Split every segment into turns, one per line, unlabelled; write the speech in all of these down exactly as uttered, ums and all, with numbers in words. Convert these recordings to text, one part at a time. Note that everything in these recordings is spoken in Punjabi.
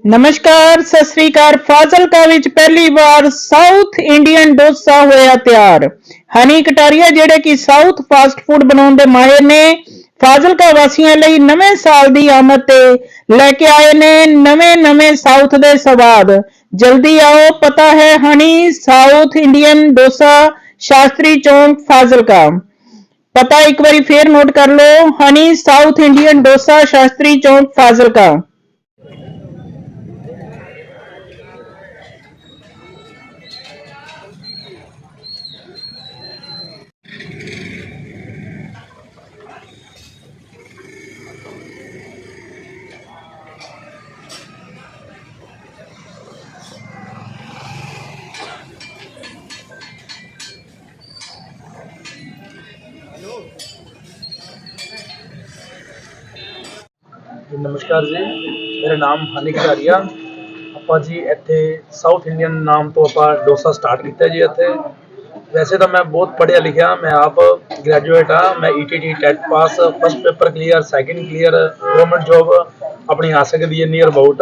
नमस्कार सत श्री अकाल। फाजिलका विच पहली बार साउथ इंडियन डोसा होया तैयार। हनी कटारिया जेडे कि साउथ फास्ट फूड बनाने दे माहिर ने फाजिलका वासियों लई नवे साल दी आमद ते लेके आए ने नवे नवे साउथ दे स्वाद। जल्दी आओ, पता है honey south Indian dosa, Shastri Chowk, Fazilka. पता एक बारी फिर नोट कर लो, honey south Indian dosa, Shastri Chowk, Fazilka.
नमस्कार जी, मेरा नाम हनी कटारिया। ਆਪਾਂ ਜੀ ਇੱਥੇ ਸਾਊਥ ਇੰਡੀਅਨ ਨਾਮ ਤੋਂ ਆਪਾਂ ਡੋਸਾ ਸਟਾਰਟ ਕੀਤਾ ਜੀ। ਇੱਥੇ ਵੈਸੇ ਤਾਂ ਮੈਂ ਬਹੁਤ ਪੜ੍ਹਿਆ ਲਿਖਿਆ, ਮੈਂ ਆਪ ਗ੍ਰੈਜੂਏਟ ਆ। ਮੈਂ E T T TET pass, first paper clear, second clear, government job ਆਪਣੀ ਆ ਸਕਦੀ ਹੈ ਨੀਅਰ ਅਬਾਊਟ।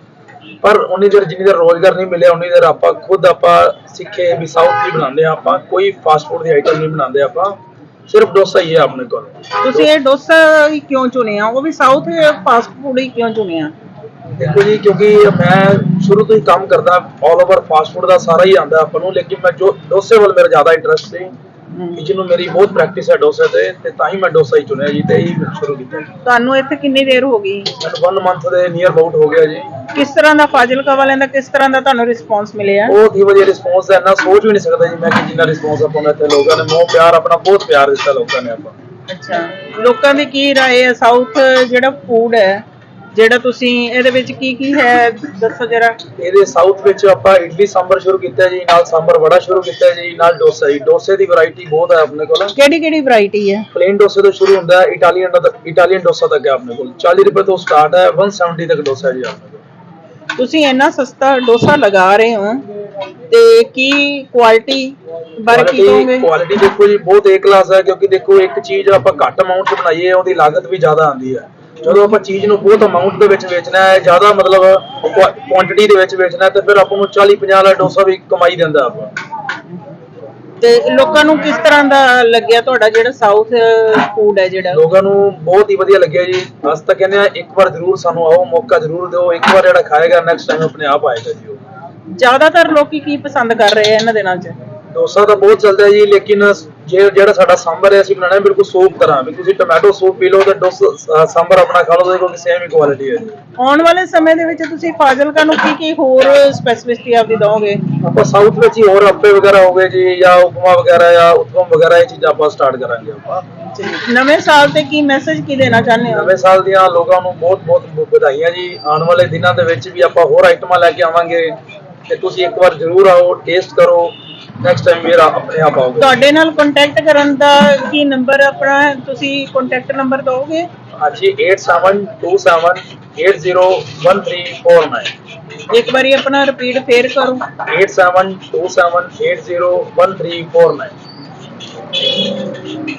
ਪਰ ਉਨੀ ਦੇਰ ਜਿੰਨੀ ਦੇਰ ਰੋਜ਼ਗਾਰ ਨਹੀਂ ਮਿਲਿਆ ਉਨੀ ਦੇਰ ਆਪਾਂ ਖੁਦ ਆਪਾਂ ਸਿੱਖੇ ਵੀ ਸਾਊਥ ਦੀ ਬਣਾਉਂਦੇ ਆ। ਆਪਾਂ ਕੋਈ ਫਾਸਟ ਫੂਡ ਦੀ ਆਈਟਮ ਨਹੀਂ ਬਣਾਉਂਦੇ, ਆਪਾਂ ਸਿਰਫ ਡੋਸਾ ਹੀ ਹੈ ਆਪਣੇ ਕੋਲ।
ਤੁਸੀਂ ਇਹ ਡੋਸਾ ਹੀ ਕਿਉਂ ਚੁਣਿਆ, ਉਹ ਵੀ ਸਾਊਥ ਫਾਸਟ ਫੂਡ ਹੀ ਕਿਉਂ ਚੁਣਿਆ?
ਦੇਖੋ ਜੀ, ਕਿਉਂਕਿ ਮੈਂ ਸ਼ੁਰੂ ਤੋਂ ਹੀ ਕੰਮ ਕਰਦਾ, ਆਲ ਓਵਰ ਫਾਸਟ ਫੂਡ ਦਾ ਸਾਰਾ ਹੀ ਆਉਂਦਾ ਆਪਾਂ ਨੂੰ, ਲੇਕਿਨ ਮੈਂ ਜੋ ਡੋਸੇ ਵੱਲ ਮੇਰਾ ਜ਼ਿਆਦਾ ਇੰਟਰਸਟ ਸੀ, ਜਿਹਨੂੰ ਮੇਰੀ ਬਹੁਤ ਪ੍ਰੈਕਟਿਸ ਹੈ ਡੋਸੇ ਤੇ ਤੇ ਤਾਂ ਹੀ ਮੈਂ ਡੋਸਾ ਹੀ ਚੁਣਿਆ ਜੀ ਤੇ ਹੀ ਸ਼ੁਰੂ ਕੀਤਾ।
ਤੁਹਾਨੂੰ ਇੱਥੇ ਕਿੰਨੀ ਦੇਰ ਹੋ ਗਈ?
ਮੈਨੂੰ ਵਨ ਮੰਥ ਦੇ ਨੀਅਰ ਅਬਾਊਟ ਹੋ ਗਿਆ ਜੀ।
ਕਿਸ ਤਰ੍ਹਾਂ ਦਾ ਫਾਜ਼ਿਲਕਾ ਵਾਲਿਆਂ ਦਾ ਕਿਸ ਤਰ੍ਹਾਂ ਦਾ ਤੁਹਾਨੂੰ ਰਿਸਪੌਂਸ ਮਿਲਿਆ?
ਬਹੁਤ ਹੀ ਵਧੀਆ ਰਿਸਪੌਂਸ ਹੈ, ਇੰਨਾ ਸੋਚ ਵੀ ਨਹੀਂ ਸਕਦਾ ਜੀ ਮੈਂ ਕਿ ਜਿੰਨਾ ਰਿਸਪੌਂਸ ਆਪਾਂ ਨੂੰ ਇੱਥੇ ਲੋਕਾਂ ਨੇ ਮੋਹ ਪਿਆਰ ਆਪਣਾ ਬਹੁਤ ਪਿਆਰ ਦਿੱਤਾ ਲੋਕਾਂ ਨੇ ਆਪਾਂ।
ਅੱਛਾ, ਲੋਕਾਂ ਦੀ ਕੀ ਰਾਏ ਹੈ? ਸਾਊਥ ਜਿਹੜਾ ਫੂਡ ਹੈ, ਜਿਹੜਾ ਤੁਸੀਂ ਇਹਦੇ ਵਿੱਚ ਕੀ ਕੀ ਹੈ ਦੱਸੋ ਜਰਾ।
ਇਹਦੇ ਸਾਊਥ ਵਿੱਚ ਆਪਾਂ ਇਡਲੀ ਸਾਂਬਰ ਸ਼ੁਰੂ ਕੀਤਾ ਜੀ, ਨਾਲ ਸਾਂਬਰ ਵੜਾ ਸ਼ੁਰੂ ਕੀਤਾ ਜੀ, ਨਾਲ ਡੋਸਾ ਜੀ। ਡੋਸੇ ਦੀ ਵੈਰਾਈਟੀ ਬਹੁਤ ਹੈ ਆਪਣੇ ਕੋਲ।
ਕਿਹੜੀ ਕਿਹੜੀ ਵੈਰਾਈਟੀ ਹੈ?
ਪਲੇਨ ਡੋਸੇ ਤੋਂ ਸ਼ੁਰੂ ਹੁੰਦਾ ਹੈ, ਇਟਾਲੀਅਨ ਇਟਾਲੀਅਨ ਡੋਸਾ ਤੱਕ ਹੈ ਆਪਣੇ ਕੋਲ। ਚਾਲੀ ਰੁਪਏ ਤੋਂ ਸਟਾਰਟ ਹੈ, ਇੱਕ ਸੌ ਸੱਤਰ ਤੱਕ ਡੋਸਾ ਜੀ ਆਪਣੇ ਕੋਲ।
ਤੁਸੀਂ ਇੰਨਾ ਸਸਤਾ ਡੋਸਾ ਲਗਾ ਰਹੇ ਹੋ ਤੇ ਕੀ ਕੁਆਲਿਟੀ ਬਾਰੇ ਕੀ ਕਹੋਗੇ?
ਕੁਆਲਿਟੀ ਦੇਖੋ ਜੀ ਬਹੁਤ ਏ ਕਲਾਸ ਹੈ, ਕਿਉਂਕਿ ਦੇਖੋ ਇੱਕ ਚੀਜ਼ ਆਪਾਂ ਘੱਟ ਅਮਾਉਂਟ 'ਚ ਬਣਾਈਏ ਉਹਦੀ ਲਾਗਤ ਵੀ ਜ਼ਿਆਦਾ ਆਉਂਦੀ ਹੈ। ਜਦੋਂ ਆਪਾਂ ਚੀਜ਼ ਨੂੰ ਬਹੁਤ ਅਮਾਉਂਟ ਦੇ ਵਿੱਚ ਵੇਚਣਾ ਹੈ, ਜ਼ਿਆਦਾ ਮਤਲਬ ਕੁਆਂਟੀਟੀ ਦੇ ਵਿੱਚ ਵੇਚਣਾ, ਤੇ ਫਿਰ ਆਪਾਂ ਨੂੰ ਚਾਲੀ ਪੰਜਾਹ ਵਾਲਾ ਡੋਸਾ ਵੀ ਕਮਾਈ ਦਿੰਦਾ ਆਪਾਂ।
ਤੇ ਲੋਕਾਂ ਨੂੰ ਕਿਸ ਤਰ੍ਹਾਂ ਦਾ ਲੱਗਿਆ ਤੁਹਾਡਾ ਜਿਹੜਾ ਸਾਊਥ ਫੂਡ ਹੈ? ਜਿਹੜਾ
ਲੋਕਾਂ ਨੂੰ ਬਹੁਤ ਹੀ ਵਧੀਆ ਲੱਗਿਆ ਜੀ। ਅਸੀਂ ਤਾਂ ਕਹਿੰਦੇ ਆ ਇੱਕ ਵਾਰ ਜ਼ਰੂਰ ਸਾਨੂੰ ਆਓ, ਮੌਕਾ ਜ਼ਰੂਰ ਦਿਓ। ਇੱਕ ਵਾਰ ਜਿਹੜਾ ਖਾਏਗਾ ਨੈਕਸਟ ਟਾਈਮ ਆਪਣੇ ਆਪ ਆਏਗਾ ਜੀ। ਉਹ
ਜ਼ਿਆਦਾਤਰ ਲੋਕੀ ਕੀ ਪਸੰਦ ਕਰ ਰਹੇ ਆ ਇਹਨਾਂ ਦਿਨਾਂ 'ਚ?
ਡੋਸਾ ਤਾਂ ਬਹੁਤ ਚੱਲਦਾ ਹੈ ਜੀ, ਲੇਕਿਨ ਜੇ ਜਿਹੜਾ ਸਾਡਾ ਸਾਂਬਰ ਹੈ ਅਸੀਂ ਬਣਾਉਣਾ ਬਿਲਕੁਲ ਸੂਪ ਤਰ੍ਹਾਂ, ਵੀ ਤੁਸੀਂ ਟੋਮੈਟੋ ਸੂਪ ਪੀ ਲਓ ਤੇ ਡੋਸਾ ਸਾਂਬਰ ਆਪਣਾ ਖਾ ਲਓ, ਦੇਖੋ ਸੇਮ ਹੀ ਕੁਆਲਿਟੀ ਹੈ ਜੀ।
ਆਉਣ ਵਾਲੇ ਸਮੇਂ ਦੇ ਵਿੱਚ ਤੁਸੀਂ ਫਾਜ਼ਿਲਕਾ ਨੂੰ ਕੀ ਕੀ ਹੋਰ ਸਪੈਸਿਫਿਸਿਟੀ ਆਪਦੀ ਦਓਗੇ?
ਆਪਾਂ ਸਾਊਥ ਵਿੱਚ ਹੀ ਹੋਰ ਅੱਪੇ ਵਗੈਰਾ ਹੋ ਗਏ ਜੀ, ਜਾਂ ਉਪਮਾ ਵਗੈਰਾ ਜਾਂ ਉਤਪਮ ਵਗੈਰਾ, ਇਹ ਚੀਜ਼ਾਂ ਆਪਾਂ ਸਟਾਰਟ ਕਰਾਂਗੇ ਆਪਾਂ।
ਨਵੇਂ ਸਾਲ ਤੇ ਕੀ ਮੈਸੇਜ ਕੀ ਦੇਣਾ ਚਾਹੁੰਦੇ ਹੋ?
ਨਵੇਂ ਸਾਲ ਦੀਆਂ ਲੋਕਾਂ ਨੂੰ ਬਹੁਤ ਬਹੁਤ ਵਧਾਈਆਂ ਜੀ। ਆਉਣ ਵਾਲੇ ਦਿਨਾਂ ਦੇ ਵਿੱਚ ਵੀ ਆਪਾਂ ਹੋਰ ਆਈਟਮਾਂ ਲੈ ਕੇ ਆਵਾਂਗੇ ਤੇ ਤੁਸੀਂ ਇੱਕ ਵਾਰ ਜ਼ਰੂਰ ਆਓ, ਟੇਸਟ ਕਰੋ, ਨੈਕਸਟ ਟਾਈਮ ਵੀ ਆਪਣੇ ਆਪ ਆਓਗੇ।
ਤੁਹਾਡੇ ਨਾਲ ਕੰਟੈਕਟ ਕਰਨ ਦਾ ਕੀ ਨੰਬਰ ਆਪਣਾ, ਤੁਸੀਂ ਕੰਟੈਕਟ ਨੰਬਰ ਦਿਓਗੇ?
ਹਾਂਜੀ, eight seven two seven eight zero one three four nine।
ਇੱਕ ਵਾਰੀ ਆਪਣਾ ਰਿਪੀਟ ਫੇਰ ਕਰੋ।
eight seven two seven eight zero one three four nine।